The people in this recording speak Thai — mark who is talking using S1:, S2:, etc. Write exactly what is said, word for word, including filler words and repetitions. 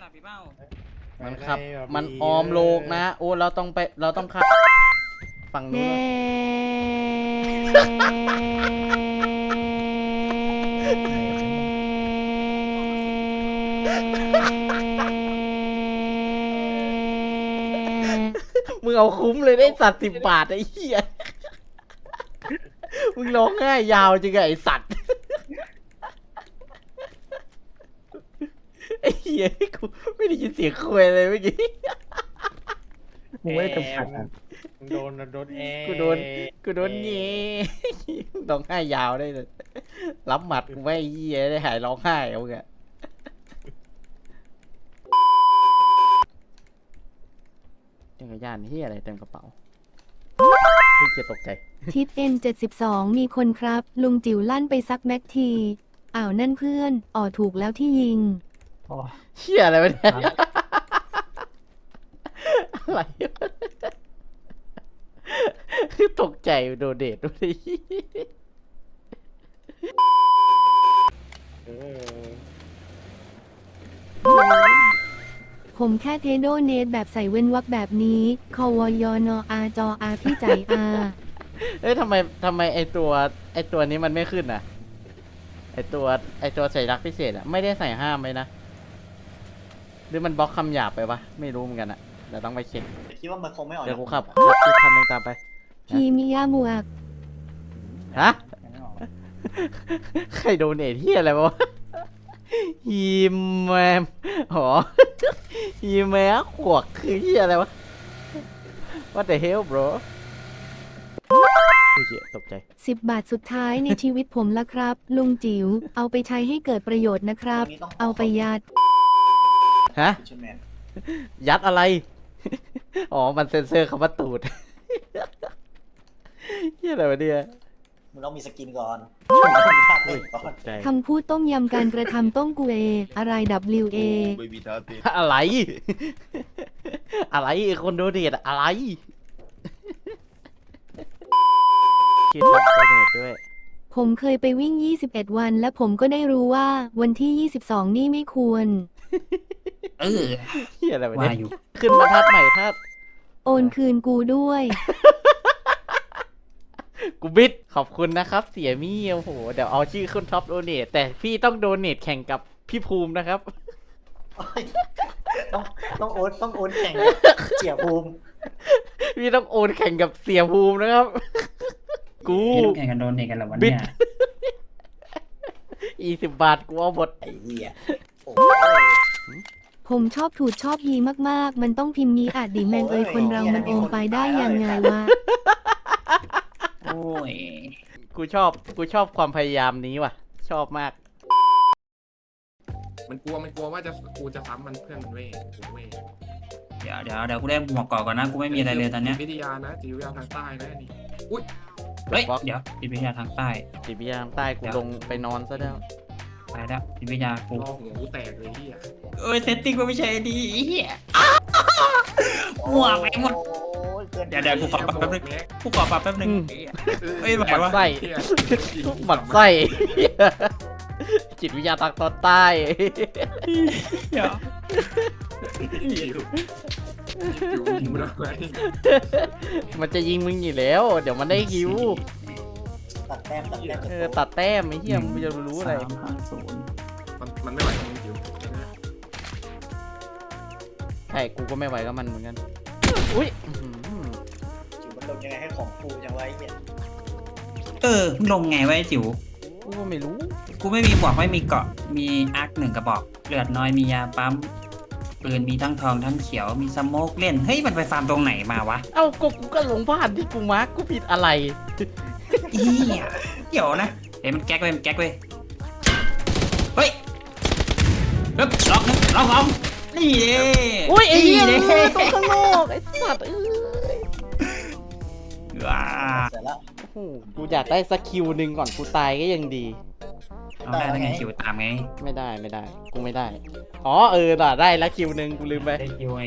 S1: ลับพี่เป้า
S2: มันขับมันออมโลกนะโอ้เราต้องไปเราต้องขับฝั่งนู้นมึงเอาคุ้มเลยได้สัตว์สิบบาทไอ้เหี้ยมึงร้องง่ายยาวจริงไอ้สัตว์ไอ้เหี้ยกูไม่ได้ยินเสียงคุยเลยเมื่อกี้มึงไม่ได้กำผัดอ่ะ
S3: โดนโดนเอ
S2: กูโดนกูโดนเงี้ร้องไห้ยาวได้เลยรับหมัดกูไม่เยี่ยได้หายร้องไห้เอาเงี้ยจักรยานเฮียอะไรเต็มกระเป๋าพี่เกียตกใจ
S4: ทิปเอ็นเจ็ดสิบสองมีคนครับลุงจิ๋วลั่นไปซักแม็กทีอ้าวนั่นเพื่อนอ๋อถูกแล้วที่ยิง
S2: เฮียอะไรวะเนี่ยอะไรตกใจโดนเดทด้วย
S4: ผมแค่เทโดเนตแบบใส่เว้นวรรคแบบนี้คอวยอนออาจออาพี่ใจอา
S2: เอ้ยทำไมทำไมไอตัวไอตัวนี้มันไม่ขึ้นอ่ะไอตัวไอตัวใส่รักพิเศษอ่ะไม่ได้ใส่ห้ามไว้นะหรือมันบล็อกคำหยาบไปวะไม่รู้เหมือนกันอ่ะเดี๋ยวต้องไปเช็ค
S5: คิดว่ามันคงไม่ออก
S2: เดี๋ยวกูขับอีกคันหนึ่งตามไป
S4: พีมิยาหมวก
S2: ฮะใครโดนเนทที่อะไรวะฮีแมมหรอฮีแมมขวกคือที่อะไรวะ What the hell bro อุ้ยตกใจ
S4: สิบบาทสุดท้ายในชีวิตผมละครับ ลุงจิ๋วเอาไปใช้ให้เกิดประโยชน์นะครับเอาไปยัด
S2: ฮะยัดอะไรอ๋อมันเซ็นเซอร์คำว่าตูดที่อะไรวะเนี่ย
S5: มึงต้องมีสกินก่อน
S4: คำพูดต้มยำการกระทำต้มกูเออะไร ดับเบิลยู เอ
S2: อะไร อะไรคนโดเนทอะไรคิดว่าโดเนทด้วย
S4: ผมเคยไปวิ่งยี่สิบเอ็ดวันและผมก็ได้รู้ว่าวันที่ยี่สิบสองนี่ไม่ควร
S2: เออเฮียอะไรวะเนี่ยขึ้นมาทัดใหม่ทัด
S4: โอนคืนกูด้วย
S2: กูบิดขอบคุณนะครับเสียมี่โอ้โหเดี๋ยวเอาชื่อขึ้นท็อปโดเนทแต่พี่ต้องโดเนทแข่งกับพี่ภูมินะครับ
S5: ต้องต้องโอนต้องโอนแข่งเสียภูมิ
S2: พี่ต้องโอนแข่งกับเสียภูมินะครับกู
S1: แข่งกันโดนเนทกันแล้ววันนี้
S2: อีสิบบาทกูเอาหมด
S5: ไอ้เหี้ย
S4: ผมชอบถูดชอบยีมากๆมันต้องพิมพ์ยีอาจดิแมนเอ้ยคนเรามันโอมไปได้ยังไงวะ
S1: โอ้ย
S2: กูชอบกูชอบความพยายามนี้ว่ะชอบมาก
S3: มันกลัวมันกลัวว่าจะกูจะซ้ำมันเพื่อนมันเว้ยเว้ย
S1: เดี๋ยวเดี๋ยวเดี๋ยวกูได้หมวกเกาะก่อนนะกูไม่มีอะไรเลยตอนเนี้ย
S3: วิทยานะจิตวิทยาทางใต้นะนี่อุ้ย
S1: เฮ้ยเดี๋ยวจิตวิทยาทางใต้
S2: จิตวิทยาทางใต้กูลงไปนอนซะแล้ว
S1: ไปแล้วจิตวิทยากู
S3: รอหูแตกเลยเฮีย
S1: เอ้ยเซตติ้งมันไม่ใช่ดีเฮียหมวกไปหมดเดี๋ยวเดี๋ยวกูขอปรับแป๊บนึงกูขอปรับแป๊บนึงเฮ้ยหมายว่า
S2: ไส้หมัดไส้จิตวิทยาทางตอนใต้
S1: เดี๋ยว
S2: มันจะยิงมึงอยู่แล้วเดี๋ยวมันได้คิว
S5: ตัดแต้มตัดแต้ม
S2: เออตัดแต้มไอ้เหี้ยมึงจะรู้อะไร
S3: มันมันไม่ไหวมึงคิว
S2: ใช่กูก็ไม่ไหวกับมันเหมือนกันอุ้ย
S5: จิ๋วมันลงยังไงให้ของฟูจังไว้เนี่ย
S1: เออลงไงไว้จิ๋ว
S2: กูก็ไม่รู้
S1: กูไม่มีหมวกไม่มีเกาะมีอาร์คหนึ่งกระบอกเลือดน้อยมียาปั๊มปืนมีทั้งทองทั้งเขียวมีสโมกเล่นเฮ้ยมันไปฟาร์มตรงไหนมาวะ
S2: เอ้ากูกูก็หลงบ้านที่กูมาร์กกูผิดอะไร
S1: อีเดี๋ยวนะเฮ้ยมันแก๊กเว้ยมันแก๊กเว้ยเฮ้ยเฮ้ยล็อกนะล็อกล็อกนี่เด้
S2: อุ้ยไอ้เหี้ยตัวข้างนอกไอ้สัตว์เอ้ย
S1: ว้า
S2: กูอยากได้สกิลหนึ่งก่อนกูตายก็ยังดี
S1: เอาได้แล้วไงคิวตามไง
S2: ไม่ได้ไม่ได้กูไม่ได้อ๋อเออได้แล้วคิวหนึ่งกูลืมไป
S1: ได้คิวไง